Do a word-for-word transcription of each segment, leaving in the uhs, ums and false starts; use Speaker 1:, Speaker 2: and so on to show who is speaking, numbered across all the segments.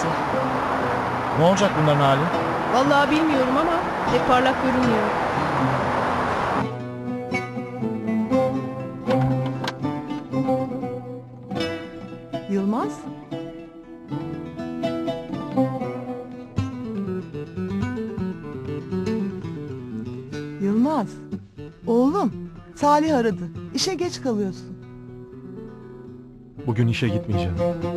Speaker 1: Ne olacak bunların hali?
Speaker 2: Vallahi bilmiyorum ama pek parlak görünmüyor.
Speaker 3: Yılmaz? Yılmaz. Oğlum, Salih aradı. İşe geç kalıyorsun.
Speaker 1: Bugün işe gitmeyeceğim.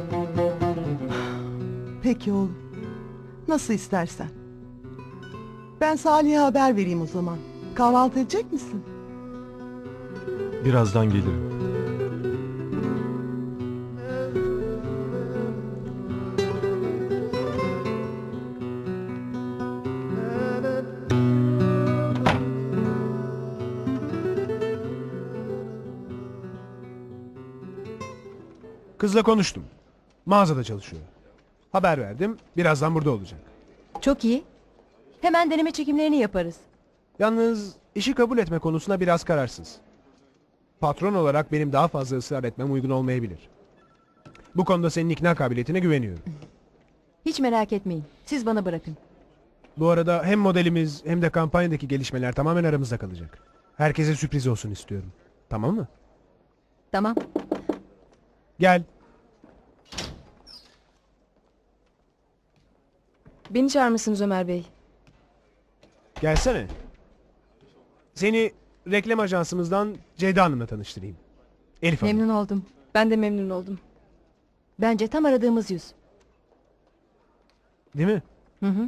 Speaker 3: Peki oğlum. Nasıl istersen. Ben Salih'e haber vereyim o zaman. Kahvaltı edecek misin?
Speaker 1: Birazdan gelirim.
Speaker 4: Kızla konuştum. Mağazada çalışıyor. Haber verdim. Birazdan burada olacak.
Speaker 5: Çok iyi. Hemen deneme çekimlerini yaparız.
Speaker 4: Yalnız işi kabul etme konusunda biraz kararsız. Patron olarak benim daha fazla ısrar etmem uygun olmayabilir. Bu konuda senin ikna kabiliyetine güveniyorum.
Speaker 5: Hiç merak etmeyin. Siz bana bırakın.
Speaker 4: Bu arada hem modelimiz hem de kampanyadaki gelişmeler tamamen aramızda kalacak. Herkese sürpriz olsun istiyorum. Tamam mı?
Speaker 5: Tamam.
Speaker 4: Gel.
Speaker 2: Beni çağırmışsınız Ömer Bey.
Speaker 4: Gelsene. Seni reklam ajansımızdan Ceyda Hanım'la tanıştırayım. Elif Hanım.
Speaker 5: Memnun oldum.
Speaker 2: Ben de memnun oldum.
Speaker 5: Bence tam aradığımız yüz.
Speaker 4: Değil mi?
Speaker 5: Hı hı.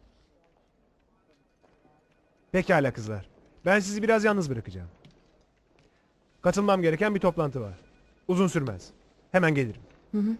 Speaker 4: Pekala kızlar. Ben sizi biraz yalnız bırakacağım. Katılmam gereken bir toplantı var. Uzun sürmez. Hemen gelirim.
Speaker 5: Hı hı.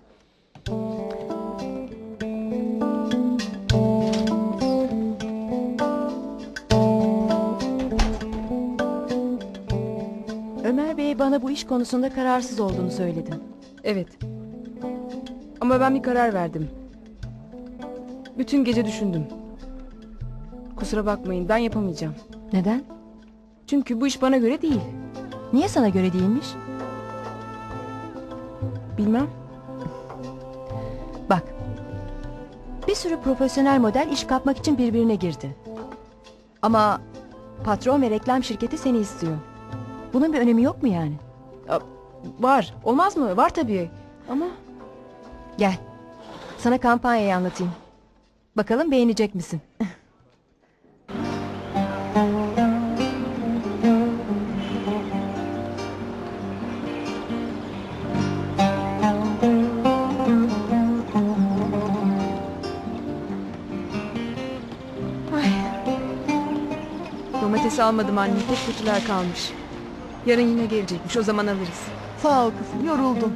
Speaker 5: Ömer Bey bana bu iş konusunda kararsız olduğunu söyledi.
Speaker 2: Evet. Ama ben bir karar verdim. Bütün gece düşündüm. Kusura bakmayın, ben yapamayacağım.
Speaker 5: Neden?
Speaker 2: Çünkü bu iş bana göre değil.
Speaker 5: Niye sana göre değilmiş?
Speaker 2: Bilmem.
Speaker 5: Bak. Bir sürü profesyonel model iş kapmak için birbirine girdi. Ama patron ve reklam şirketi seni istiyor. Bunun bir önemi yok mu yani?
Speaker 2: Var. Olmaz mı? Var tabii. Ama
Speaker 5: Gel. Sana kampanyayı anlatayım. Bakalım beğenecek misin?
Speaker 2: domatesi almadım anne. Tek kutular kalmış. Yarın yine gelecekmiş. O zaman alırız.
Speaker 3: Sağ ol kızım, yoruldum.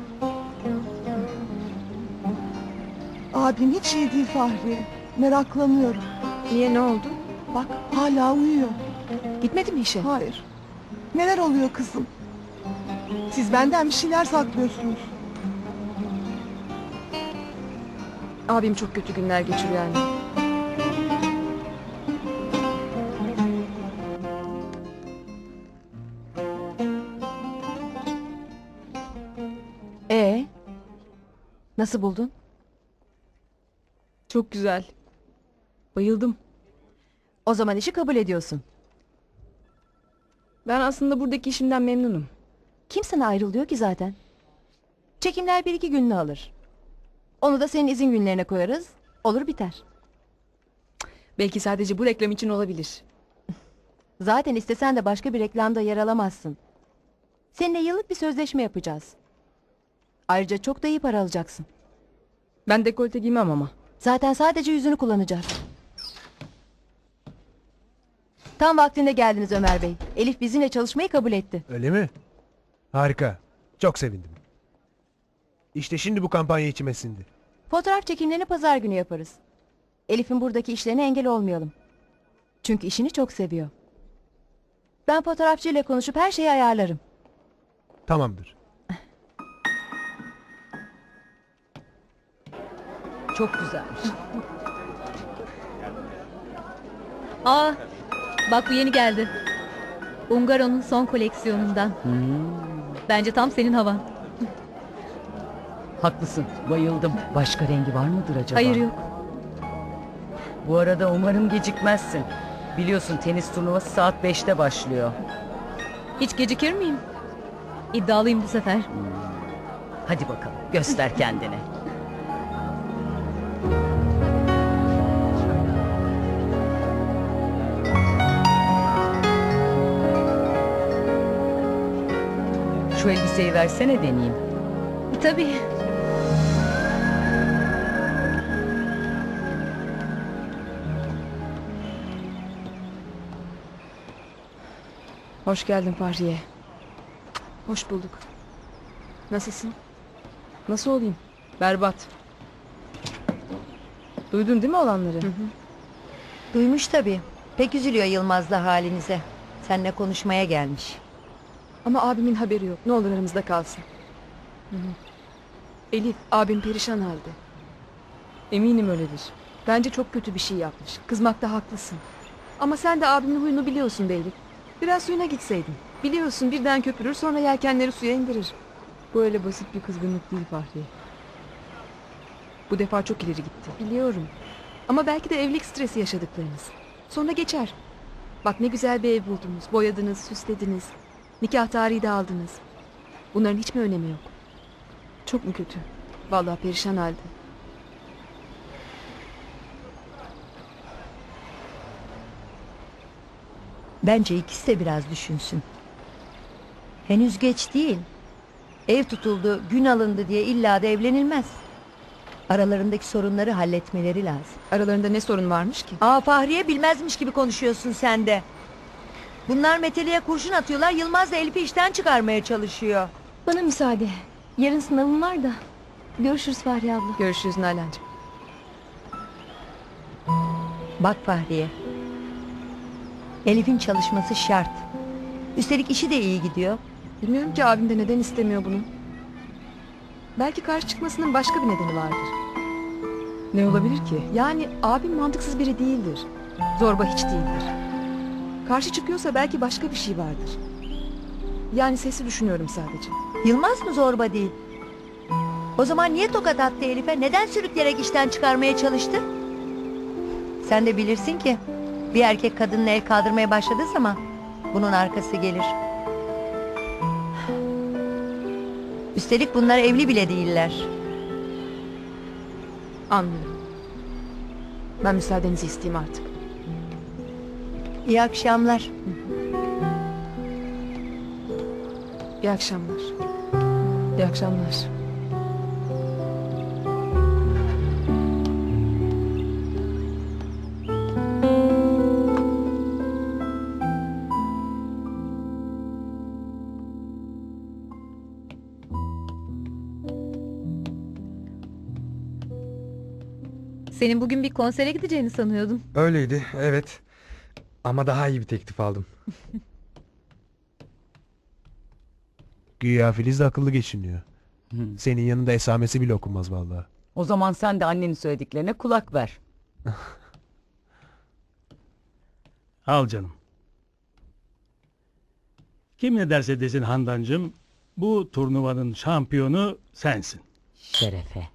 Speaker 3: Abim hiç iyi değil Fahri. Meraklanıyorum.
Speaker 2: Niye, ne oldu?
Speaker 3: Bak hala uyuyor.
Speaker 2: Gitmedi mi işe?
Speaker 3: Hayır. Neler oluyor kızım? Siz benden bir şeyler saklıyorsunuz.
Speaker 2: Abim çok kötü günler geçiriyor anne.
Speaker 5: Ee, nasıl buldun?
Speaker 2: Çok güzel. Bayıldım.
Speaker 5: O zaman işi kabul ediyorsun.
Speaker 2: Ben aslında buradaki işimden memnunum.
Speaker 5: Kim sana ayrılıyor ki zaten? Çekimler bir iki gününü alır. Onu da senin izin günlerine koyarız. Olur biter.
Speaker 2: Belki sadece bu reklam için olabilir.
Speaker 5: Zaten istesen de başka bir reklamda yer alamazsın. Seninle yıllık bir sözleşme yapacağız. Ayrıca çok da iyi para alacaksın.
Speaker 2: Ben dekolte giymem ama.
Speaker 5: Zaten sadece yüzünü kullanacağız. Tam vaktinde geldiniz Ömer Bey. Elif bizimle çalışmayı kabul etti.
Speaker 4: Öyle mi? Harika. Çok sevindim. İşte şimdi bu kampanya içime sindi.
Speaker 5: Fotoğraf çekimlerini pazar günü yaparız. Elif'in buradaki işlerine engel olmayalım. Çünkü işini çok seviyor. Ben fotoğrafçıyla konuşup her şeyi ayarlarım.
Speaker 4: Tamamdır.
Speaker 6: Çok güzelmiş. Aa, bak bu yeni geldi. Ungaro'nun son koleksiyonundan. Bence tam senin havan.
Speaker 1: Haklısın, bayıldım. Başka rengi var mıdır acaba?
Speaker 6: Hayır yok.
Speaker 1: Bu arada umarım gecikmezsin. Biliyorsun tenis turnuvası saat beşte başlıyor.
Speaker 6: Hiç gecikir miyim? İddialıyım bu sefer.
Speaker 1: Hadi bakalım, göster kendini. Şu elbiseyi versene deneyeyim.
Speaker 6: Tabii.
Speaker 2: Hoş geldin Fahriye. Hoş bulduk. Nasılsın? Nasıl olayım? Berbat. Duydun değil mi olanları?
Speaker 7: Duymuş tabii. Pek üzülüyor Yılmaz'la halinize. Seninle konuşmaya gelmiş.
Speaker 2: Ama abimin haberi yok. Ne olur aramızda kalsın. Elif, abim perişan halde. Eminim öyledir. Bence çok kötü bir şey yapmış. Kızmakta haklısın. Ama sen de abimin huyunu biliyorsun be Elif. Biraz suyuna gitseydin. Biliyorsun birden köpürür sonra yelkenleri suya indirir. Bu öyle basit bir kızgınlık değil Fahriye. Bu defa çok ileri gitti. Biliyorum. Ama belki de evlilik stresi yaşadıklarınız. Sonra geçer. Bak ne güzel bir ev buldunuz. Boyadınız, süslediniz. Nikah tarihi de aldınız. Bunların hiç mi önemi yok? Çok mu kötü? Vallahi perişan halde.
Speaker 7: Bence ikisi de biraz düşünsün. Henüz geç değil. Ev tutuldu, gün alındı diye illa da evlenilmez. Aralarındaki sorunları halletmeleri lazım.
Speaker 2: Aralarında ne sorun varmış ki?
Speaker 7: Aa Fahriye, bilmezmiş gibi konuşuyorsun sen de. Bunlar Meteli'ye kurşun atıyorlar. Yılmaz da Elif'i işten çıkarmaya çalışıyor.
Speaker 5: Bana müsaade. Yarın sınavım var da. Görüşürüz Fahriye abla.
Speaker 2: Görüşürüz Nalan'cığım.
Speaker 7: Bak Fahriye. Elif'in çalışması şart. Üstelik işi de iyi gidiyor.
Speaker 2: Bilmiyorum ki abim de neden istemiyor bunu. Belki karşı çıkmasının başka bir nedeni vardır. Ne olabilir ki? Yani abim mantıksız biri değildir. Zorba hiç değildir. Karşı çıkıyorsa belki başka bir şey vardır. Yani sesi düşünüyorum sadece.
Speaker 7: Yılmaz mı zorba değil? O zaman niye tokat attı Elif'e? Neden sürükleyerek işten çıkarmaya çalıştı? Sen de bilirsin ki bir erkek kadınla el kaldırmaya başladığı zaman bunun arkası gelir. Üstelik bunlar evli bile değiller.
Speaker 2: Anlıyorum. Ben müsaadenizi isteyeyim artık.
Speaker 7: İyi akşamlar.
Speaker 2: İyi akşamlar. İyi akşamlar.
Speaker 6: Senin bugün bir konsere gideceğini sanıyordum.
Speaker 8: Öyleydi, evet. Ama daha iyi bir teklif aldım.
Speaker 4: Güya Filiz de akıllı geçiniyor. Senin yanında esamesi bile okunmaz vallahi.
Speaker 1: O zaman sen de annenin söylediklerine kulak ver.
Speaker 9: Al canım. Kim ne derse desin Handancığım, bu turnuvanın şampiyonu sensin.
Speaker 1: Şerefe.